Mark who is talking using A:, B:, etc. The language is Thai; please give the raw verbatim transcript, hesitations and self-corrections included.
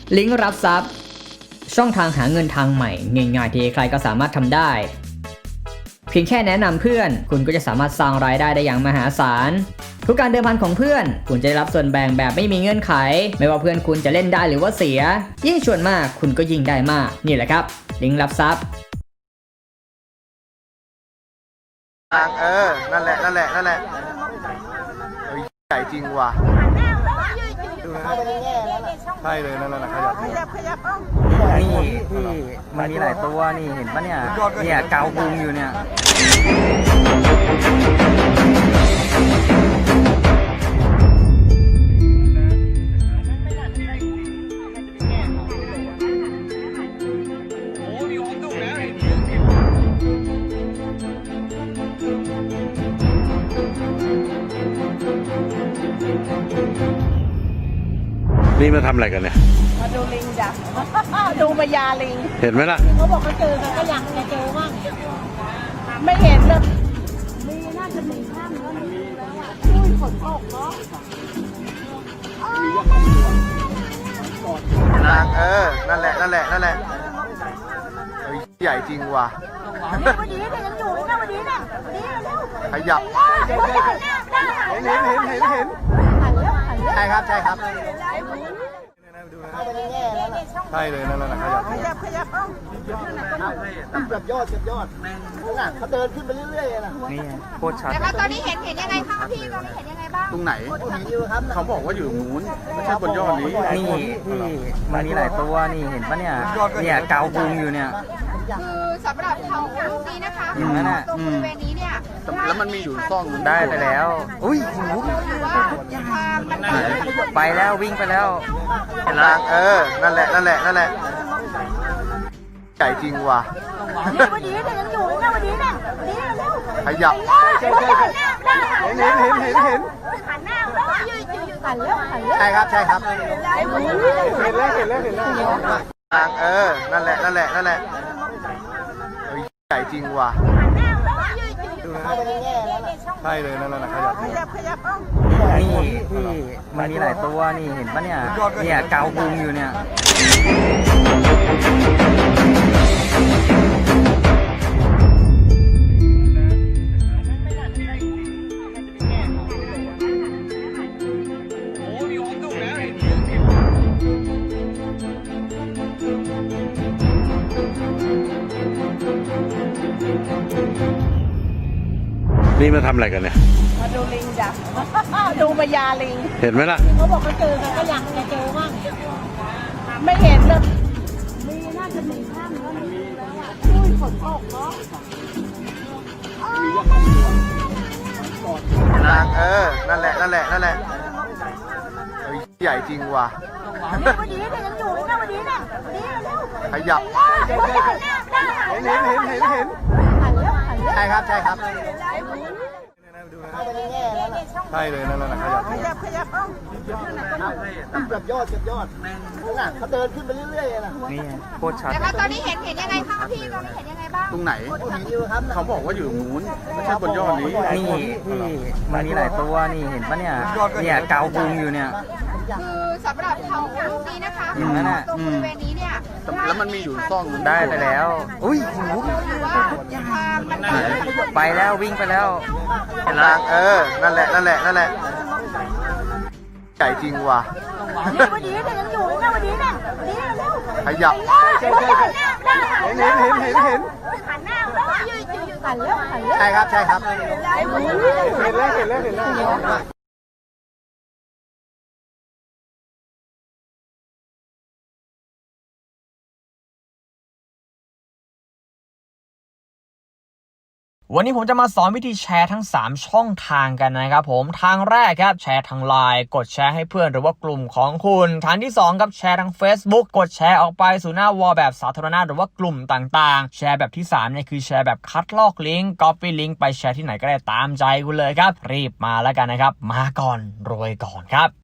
A: ลิงก์รับทรัพย์ช่องทางหาเงินทางใหม่ง่ายๆที่ใครก็สามารถทำได้เพียงแค่แนะนำเพื่อนคุณก็จะสามารถสร้างรายได้ได้อย่างมหาศาลทุกการเดิมพันของเพื่อนคุณจะได้รับส่วนแบ่งแบบไม่มีเงื่อนไขไม่ว่าเพื่อนคุณจะเล่นได้หรือว่าเสียยิ่งชวนมากคุณก็ยิ่งได้มากนี่แหละครับลิงก์รับทรัพย์
B: เออนั่นแหละนั่นแหละนั่นแหละใหญ่จริงว่ะดูนะใช่เลยนั่นแหละขยับขยับขยับ
C: นี่ที่มันมีหลายตัวนี่เห็นปะเนี่ยเนี่ยเกาพุงอยู่เนี่ย
D: นี่มาทำอะไรกันเนี่ย
E: มาดูลิงจ้ะ ดูมายาลิง
D: เห็นไหมล่ะ
E: เขาบอกเขาเจอกันก็อยากจะเจอบ้างไม่เห็นเลยมีน่าจะมีข้ามแล้วมีแล้วอ่ะอุ้ยฝนตกเนาะ
B: เออนั่นแหละนั่นแหละนั่นแหละใหญ่จริงว่ะ
E: วันนี้เนี่ยยังอยู่นะวันนี้เนี่ยวันนี้เร็ว
B: ขยับเห็นเห็นเห็นเห็นเห็นใช่ครับใช่ครับใช่เลยนั่นแหละขยับขยับขยับแบบยอดแบบยอดน่ะเขาเดินขึ้นไปเรื่อยๆนะ
C: นี่โคตรชัด
F: แล้วตอนนี้เห็นเห็นยังไงคะพี่ตอนนี้เห็นยังไงบ้าง
B: ตรงไหนเขาบอกว่าอยู่นู้นไม่ใช่บนยอดนี้
C: นี่ที่มันมีหลายตัวนี่เห็นปะเนี่ยเนี่ยเกาพุงอยู่เนี่ย
F: คือสำหรับเขาลูกนี้นะคะ
C: อย่างนั้นอ่ะ
F: ตรงบริเวณนี้เนี่ย
B: แล้วมันมีอยู่ซ่อง
C: ได้ไปแล้วอุ้ยไปแล้ววิ่งไปแล้ว
B: เออนั่นแหละนั่นแหละนั่นแหละใหญ่จริงว่ะ
E: วันนี้เนี่ยยังอยู่นะวันนี้เนี่ยวันนี้เร็ว
B: ขยับเห็นเห็นเห็นเห็นเห็น
E: หันหน้าแล้วอ่ะหันแล้วหันแล้ว
B: ใช่ครับใช่ครับเห็นแล้วเห็นแล้วเห็นแล้วเออนั่นแหละนั่นแหละนั่นแหละใหญ่จริงว่ะดูนะใช่เลยนั่นแหละขยับขยับขยับ
C: นี่ที่มันมีหลายตัวนี่เห็นปะเนี่ยเนี่ยเกาพุงอยู่เนี่ย
D: นี่มาทำอะไรกันเนี่ย
E: มาดูลิงจ้ะ ดูมายาลิง
D: เห็นไหมล่ะ
E: เขาบอกเขาเจอกันก็อยากจะเจอบ้างไม่เห็นเลยมีน่าจะมีข้ามแล้วมีแล้วอ่ะอุ้ยฝนตกเนาะ
B: เออนั่นแหละนั่นแหละนั่นแหละใหญ่จริงว่ะ
E: วันนี้เนี่ยยังอยู่นะวันนี้เนี่ยวันนี้เร็ว
B: ขยับเห็นเห็นเห็นเห็นเห็นเห็น
E: หันแล้วหันแล้ว
B: ใช่ครับใช่ครับใช่เลยนั่นแหละขยับขยับขยับแบบยอดแบบยอดน่ะเขาเดินขึ้นไปเรื่อยๆนะ
C: นี่โคตรชัด
F: แล้วตอนนี้เห็นเห็นยังไงคะพี่ตอนนี้เห็นยังไงบ้าง
B: ตรงไหนเขาบอกว่าอยู่นู้นไม่ใช่บนยอดนี้
C: นี่ที่มันมีหลายตัวนี่เห็นปะเนี่ยเนี่ยเกาพุงอยู่เนี่ย
F: คือสำหรับเขาลูกนี้นะคะ
C: อย่างนั้นอ่ะ
F: ตรงบริเวณนี้เนี่ย
B: แล้วมันมีอยู่ซ่อง
C: ได้ไปแล้วอุ้ยไปแล้ววิ่งไปแล้ว
B: เออนั่นแหละนั่นแหละนั่นแหละใหญ่จริงว่ะ
E: วันนี้เนี่ยยังอยู่นะวันนี้เนี่ยวันนี้เร็ว
B: ขยับเห็นเห็นเห็นเห็นเห็น
E: หันหน้าแล้วอ่ะหันแล้วหันแล้ว
B: ใช่ครับใช่ครับเห็นแล้วเห็นแล้วเห็นแล้ว
A: วันนี้ผมจะมาสอนวิธีแชร์ทั้งสามช่องทางกันนะครับผมทางแรกครับแชร์ทาง ไลน์ กดแชร์ให้เพื่อนหรือว่ากลุ่มของคุณทางที่สองครับแชร์ทาง เฟซบุ๊ก กดแชร์ออกไปสู่หน้าวอลแบบสาธารณะหรือว่ากลุ่มต่างๆแชร์แบบที่สามเนี่ยคือแชร์แบบคัดลอกลิงก์ ก๊อปปี้ลิงก์ไปแชร์ที่ไหนก็ได้ตามใจคุณเลยครับรีบมาแล้วกันนะครับมาก่อนรวยก่อนครับ